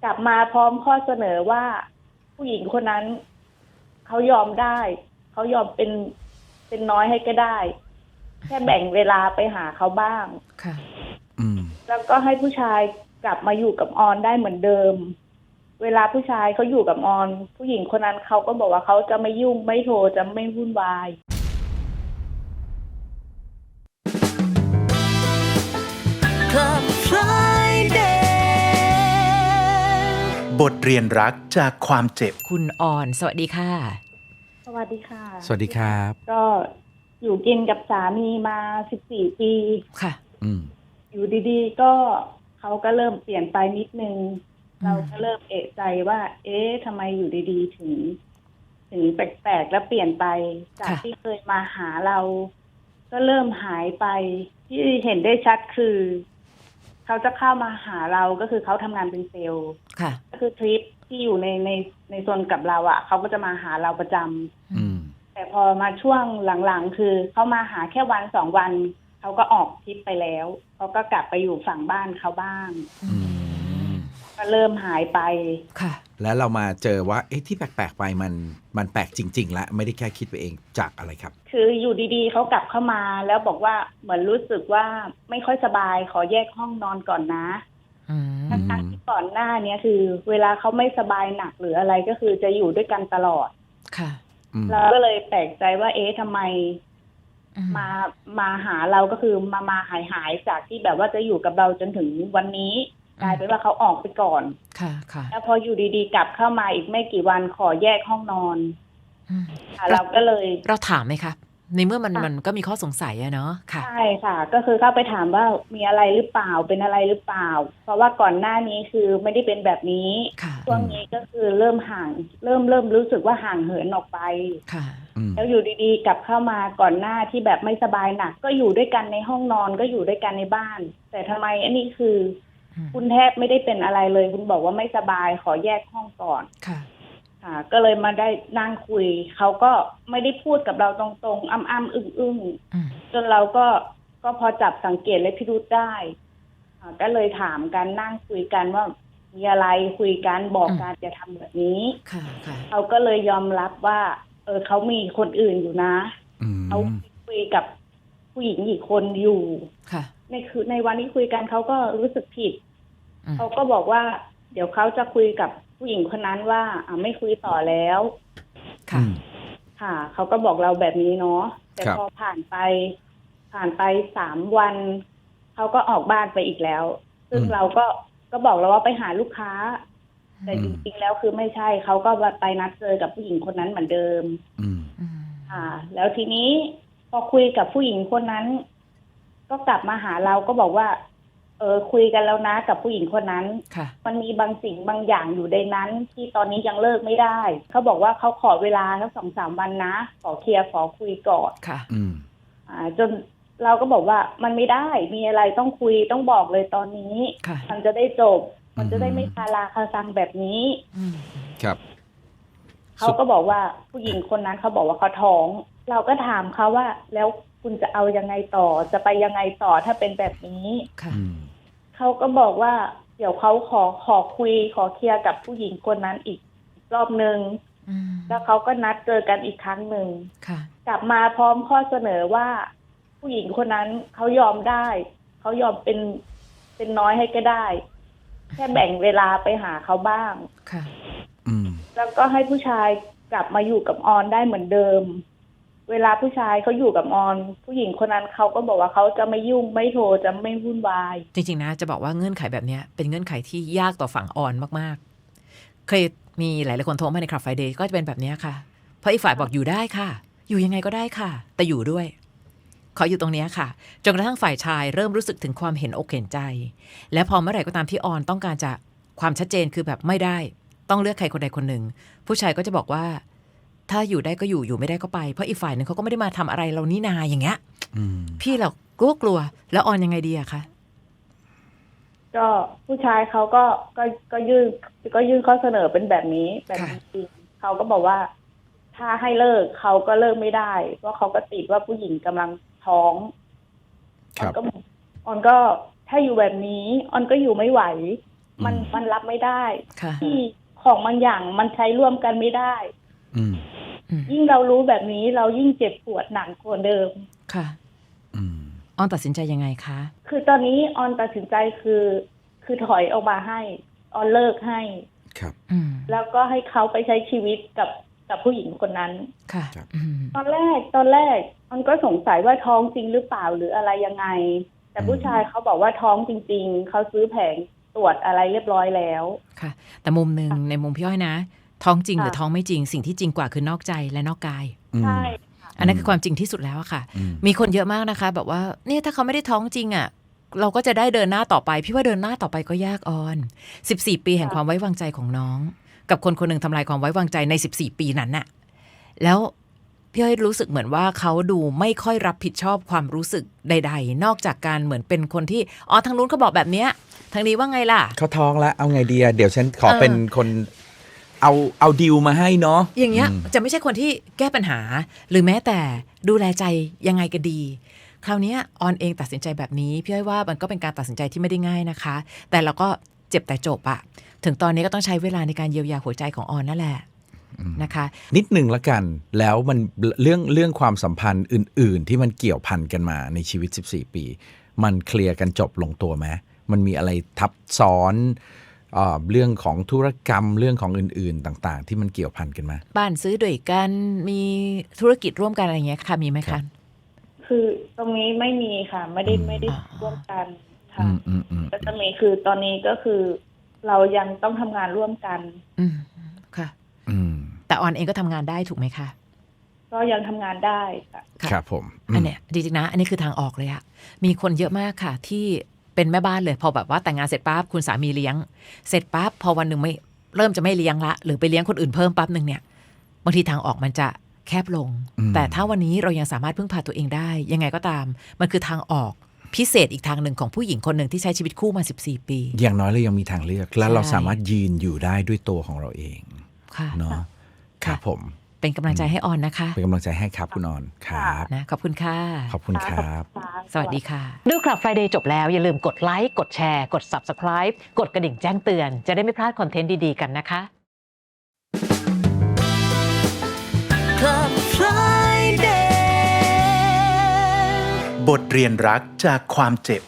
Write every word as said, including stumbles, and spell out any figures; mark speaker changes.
Speaker 1: กลับมาพร้อมข้อเสนอว่าผู้หญิงคนนั้นเขายอมได้เขายอมเป็นเป็นน้อยให้ก็ได้แค่แบ่งเวลาไปหาเขาบ้าง
Speaker 2: ค่ะ
Speaker 3: อืม
Speaker 1: แล้วก็ให้ผู้ชายกลับมาอยู่กับออนได้เหมือนเดิมเวลาผู้ชายเขาอยู่กับออนผู้หญิงคนนั้นเขาก็บอกว่าเขาจะไม่ยุ่งไม่โทรจะไม่วุ่นวาย
Speaker 3: บทเรียนรักจากความเจ็บ
Speaker 2: คุณออนสวัสดีค่ะ
Speaker 1: สวัสดีค่ะ
Speaker 3: สวัสดีครับ
Speaker 1: ก็อยู่กินกับสามีมาสิบสี่ปี
Speaker 2: ค่ะ
Speaker 3: อืม
Speaker 1: อยู่ดีๆก็เขาก็เริ่มเปลี่ยนไปนิดนึงเราก็เริ่มเอะใจว่าเอ๊ะทำไมอยู่ดีๆถึงถึงแปลกๆแล้วเปลี่ยนไปจากที่เคยมาหาเราก็เริ่มหายไปที่เห็นได้ชัดคือเขาจะเข้ามาหาเราก็คือเขาทำงานเป็นเซลล์ก็คือทริปที่อยู่ในในในโซนกับเราอ่ะเขาก็จะมาหาเราประจำแต่พอมาช่วงหลังๆคือเขามาหาแค่วันสองวันเขาก็ออกทริปไปแล้วเขาก็กลับไปอยู่ฝั่งบ้านเขาบ้างก็เริ่มหายไป
Speaker 3: ค่ะแล้วเรามาเจอว่าเอ๊ะที่แปลกๆไปมันมันแปลกจริงๆแล้วไม่ได้แค่คิดไปเองจากอะไรครับ
Speaker 1: คืออยู่ดีๆเขากลับเข้ามาแล้วบอกว่าเหมือนรู้สึกว่าไม่ค่อยสบายขอแยกห้องนอนก่อนนะทั้งๆที่ก่อนหน้านี้คือเวลาเขาไม่สบายหนักหรืออะไรก็คือจะอยู่ด้วยกันตลอด
Speaker 2: ค่ะ
Speaker 1: เราก็เลยแปลกใจว่าเอ๊ะทำไมมามาหาเราก็คือมามาหายหายจากที่แบบว่าจะอยู่กับเราจนถึงวันนี้กลายเป็นว่าเขาออกไปก่อน
Speaker 2: ค่ะค่ะ
Speaker 1: แล้วพออยู่ดีๆกลับเข้ามาอีกไม่กี่วันขอแยกห้องนอนเราก็เลย
Speaker 2: เราถามไหมคะในเมื่อมันมันก็มีข้อสงสัยอะเนาะค่ะ
Speaker 1: ใช่ค่ะก็คือเข้าไปถามว่ามีอะไรหรือเปล่าเป็นอะไรหรือเปล่าเพราะว่าก่อนหน้านี้คือไม่ได้เป็นแบบนี้ช่วงนี้ก็คือเริ่มห่างเริ่มเริ่มรู้สึกว่าห่างเหินออกไป
Speaker 2: ค่ะ
Speaker 1: แล้วอยู่ดีๆกลับเข้ามาก่อนหน้าที่แบบไม่สบายหนักก็อยู่ด้วยกันในห้องนอนก็อยู่ด้วยกันในบ้านแต่ทำไมอันนี้คือคุณแทบไม่ได้เป็นอะไรเลยคุณบอกว่าไม่สบายขอแยกห้องก่อน
Speaker 2: ค่ะ
Speaker 1: ค่ะก็เลยมาได้นั่งคุยเขาก็ไม่ได้พูดกับเราตรงๆอ้ำๆอึ้งๆจนเราก็ก็พอจับสังเกตและพิรุธได้ก็เลยถามกันนั่งคุยกันว่ามีอะไรคุยกันบอกกันจะทำแบบนี้เขาก็เลยยอมรับว่าเออเขามีคนอื่นอยู่นะเขาคุยกับผู้หญิงอีกคนอยู่ในคือในวันที่คุยกันเขาก็รู้สึกผิดเขาก็บอกว่าเดี๋ยวเขาจะคุยกับผู้หญิงคนนั้นว่าอ่าไม่คุยต่อแล้ว
Speaker 2: ค่ะ
Speaker 1: ค่ะเขาก็บอกเราแบบนี้เนาะแต่พอผ่านไปผ่านไปสามวันเขาก็ออกบ้านไปอีกแล้วซึ่งเราก็ก็บอกเราว่าไปหาลูกค้าแต่จริงๆแล้วคือไม่ใช่เขาก็ไปนัดเจอกับผู้หญิงคนนั้นเหมือนเดิมค่ะแล้วทีนี้พอคุยกับผู้หญิงคนนั้นก็กลับมาหาเราก็บอกว่าเออคุยกันแล้วนะกับผู้หญิงคนนั้นมันมีบางสิ่งบางอย่างอยู่ในนั้นที่ตอนนี้ยังเลิกไม่ได้เขาบอกว่าเขาขอเวลาทั้งสองสามวันนะขอเคลียร์ขอคุยก่อน
Speaker 2: ค่ะ
Speaker 1: อ่าจนเราก็บอกว่ามันไม่ได้มีอะไรต้องคุยต้องบอกเลยตอนนี้มันจะได้จบมันจะได้ไม่คาราคาซังแบบนี้
Speaker 3: ครับ
Speaker 1: เขาก็บอกว่าผู้หญิงคนนั้นเขาบอกว่าเขาท้องเราก็ถามเขาว่าแล้วคุณจะเอายังไงต่อจะไปยังไงต่อถ้าเป็นแบบนี้เขาก็บอกว่าเดี๋ยวเขาขอขอคุยขอเคลียร์กับผู้หญิงคนนั้นอีกรอบนึงแล้วเขาก็นัดเจอกันอีกครั้งหนึ่งกลับมาพร้อมข้อเสนอว่าผู้หญิงคนนั้นเขายอมได้เขายอมเป็นเป็นน้อยให้ก็ได้แค่แบ่งเวลาไปหาเขาบ้างแล้วก็ให้ผู้ชายกลับมาอยู่กับออนได้เหมือนเดิมเวลาผู้ชายเขาอยู่กับออนผู้หญิงคนนั้นเขาก็บอกว่าเขาจะไม่ยุ่งไม่โทรจะไม่วุ่นวาย
Speaker 2: จริงๆนะจะบอกว่าเงื่อนไขแบบนี้เป็นเงื่อนไขที่ยากต่อฝั่งออนมากๆเคยมีหลายๆคนโทรมาในคลับไฟเดย์ก็จะเป็นแบบนี้ค่ะเพราะอีกฝ่ายบอกอยู่ได้ค่ะอยู่ยังไงก็ได้ค่ะแต่อยู่ด้วยขออยู่ตรงนี้ค่ะจนกระทั่งฝ่ายชายเริ่มรู้สึกถึงความเห็นอกเห็นใจและพอเมื่อไหร่ก็ตามที่ออนต้องการจะความชัดเจนคือแบบไม่ได้ต้องเลือกใครคนใดคนหนึ่งผู้ชายก็จะบอกว่าถ้าอยู่ได้ก็อยู่อยู่ไม่ได้ก็ไปเพราะอีกฝ่ายหนึ่งเขาก็ไม่ได้มาทำอะไรเรานี่นาอย่างเงี้ยพี่เรากลัวกลัวแล้วออนยังไงดีอะคะ
Speaker 1: ก็ผู้ชายเขาก็ก็ก็ยื่นก็ยื่นข้อเสนอเป็นแบบนี้แบบจริงเขาก็บอกว่าถ้าให้เลิกเขาก็เลิกไม่ได้เพราะเขาก็ติดว่าผู้หญิงกำลังท้องออนก็ออนก็ถ้าอยู่แบบนี้ออนก็อยู่ไม่ไหวมันมันรับไม่ได้
Speaker 2: ค่ะ
Speaker 1: ที่ของบางอย่างมันใช้ร่วมกันไม่ได้
Speaker 3: อืม
Speaker 1: ยิ่งเรารู้แบบนี้เรายิ่งเจ็บปวดหนักกว่าเดิม
Speaker 2: ค่ะ
Speaker 3: อืม
Speaker 2: ออนตัดสินใจยังไงคะ
Speaker 1: คือตอนนี้ออนตัดสินใจคือ คือถอยออกมาให้ออนเลิกให้
Speaker 3: ครับ
Speaker 2: อืม
Speaker 1: แล้วก็ให้เขาไปใช้ชีวิตกับกับผู้หญิงคนนั้น
Speaker 2: ค่ะ
Speaker 3: ครับ
Speaker 2: อืม
Speaker 1: ตอนแรกตอนแรกออนก็สงสัยว่าท้องจริงหรือเปล่าหรืออะไรยังไง แต่ผู้ชายเขาบอกว่าท้องจริงๆเขาซื้อแผงตรวจอะไรเรียบร้อยแล้ว
Speaker 2: ค่ะ แต่มุมหนึ่งในมุมพี่อ้อยนะ ท้องจริง
Speaker 1: ค่ะ
Speaker 2: หรือท้องไม่จริงสิ่งที่จริงกว่าคือนอกใจและนอกกาย
Speaker 1: ใช่
Speaker 2: อันนั้นคือความจริงที่สุดแล้วอะค่ะ
Speaker 3: อืม
Speaker 2: มีคนเยอะมากนะคะแบบว่าเนี่ยถ้าเขาไม่ได้ท้องจริงอะเราก็จะได้เดินหน้าต่อไปพี่ว่าเดินหน้าต่อไปก็ยากออนสิบสี่ปีแห่งความไว้วางใจของน้อง กับคนคนหนึ่งทำลายความไว้วางใจในสิบสี่ปีนั้นน่ะแล้วพี่อ้อยรู้สึกเหมือนว่าเขาดูไม่ค่อยรับผิดชอบความรู้สึกใด ๆ นอกจากการเหมือนเป็นคนที่อ๋อทางนู้นเขาบอกแบบเนี้ยทางนี้ว่าไงล่ะ
Speaker 3: เขาท้องแล้วเอาไงดีอะเดี๋ยวฉันขอ
Speaker 2: เออ
Speaker 3: เป็นคนเอาเอาดิวมาให้เนาะ
Speaker 2: อย่างเงี้ย
Speaker 3: อืม
Speaker 2: จะไม่ใช่คนที่แก้ปัญหา หรือแม้แต่ดูแลใจยังไงก็ดี คราวเนี้ยออนเองตัดสินใจแบบนี้พี่อ้อยว่ามันก็เป็นการตัดสินใจที่ไม่ได้ง่ายนะคะ แต่เราก็เจ็บแต่จบอะถึงตอนนี้ก็ต้องใช้เวลาในการเยียวยาหัวใจของออนนั่นแหละนะคะ
Speaker 3: นิดหนึ่งละกัน แล้วมันเรื่องเรื่องความสัมพันธ์อื่น ๆ ที่มันเกี่ยวพันกันมาในชีวิตสิบสี่ปี มันเคลียร์กันจบลงตัวไหมมันมีอะไรทับซ้อนเอ่อเรื่องของธุรกรรมเรื่องของอื่น ๆ ต่าง ๆ ที่มันเกี่ยวพันกันมา
Speaker 2: บ้านซื้อด้วยกันมีธุรกิจร่วมกันอะไรอย่างเงี้ยค่ะมีไหม
Speaker 3: ครั
Speaker 2: คะ
Speaker 3: บ
Speaker 1: คือตรงนี้ไม่มีค่ะ ไม่ได้ไม่ได้
Speaker 2: อ๋อ
Speaker 1: ร่วมกันค่ะ
Speaker 3: อืมอืมอืม
Speaker 1: ก็จะมีคือตอนนี้ก็คือ เรายังต้องทำงานร่วมกัน
Speaker 2: อืมค่ะ
Speaker 3: อืม
Speaker 2: แต่ออนเองก็ทำงานได้ถูกไหมคะ
Speaker 1: ก็ยังทำงานได้ค่ะ
Speaker 2: ค่ะ
Speaker 3: ครับผมม
Speaker 2: อันเนี้ยดีจริงนะ อันนี้คือทางออกเลยอะมีคนเยอะมากค่ะ ที่เป็นแม่บ้านเลยพอแบบว่าแต่งงานเสร็จปั๊บคุณสามีเลี้ยง เสร็จปั๊บพอวันหนึ่งไม่เริ่มจะไม่เลี้ยงละ หรือไปเลี้ยงคนอื่นเพิ่มปั๊บหนึ่งเนี่ยบางทีทางออกมันจะแคบลง
Speaker 3: อืม
Speaker 2: แต่ถ้าวันนี้เรายังสามารถพึ่งพาตัวเองได้ ยังไงก็ตาม มันคือทางออกพิเศษอีกทางหนึ่งของผู้หญิงคนหนึ่งที่ใช้ชีวิตคู่มาสิบสี่ปี
Speaker 3: อย่างน้อยเรายังมีทางเลือก และ
Speaker 2: ใช่
Speaker 3: เราสามารถยืนอยู่ได้ด้วยตัวของเราเอง
Speaker 2: ค่ะ
Speaker 3: เนาะค
Speaker 2: ค่ะ
Speaker 3: รับผม
Speaker 2: เป็นกำลังใจให้ออนนะคะ
Speaker 3: เป็นกำลังใจให้ครับคุณออนครับ
Speaker 2: นะขอบคุณค่ะ
Speaker 3: ขอบคุณครับ
Speaker 1: ค่ะ
Speaker 2: สวัสดีค่ะ ดูคลับ Friday จบแล้ว อย่าลืมกดไลค์ กดแชร์ กด Subscribe กดกระดิ่งแจ้งเตือน จะได้ไม่พลาดคอนเทนต์ดี ๆ กันนะคะ
Speaker 4: Club Friday บทเรียนรักจากความเจ็บ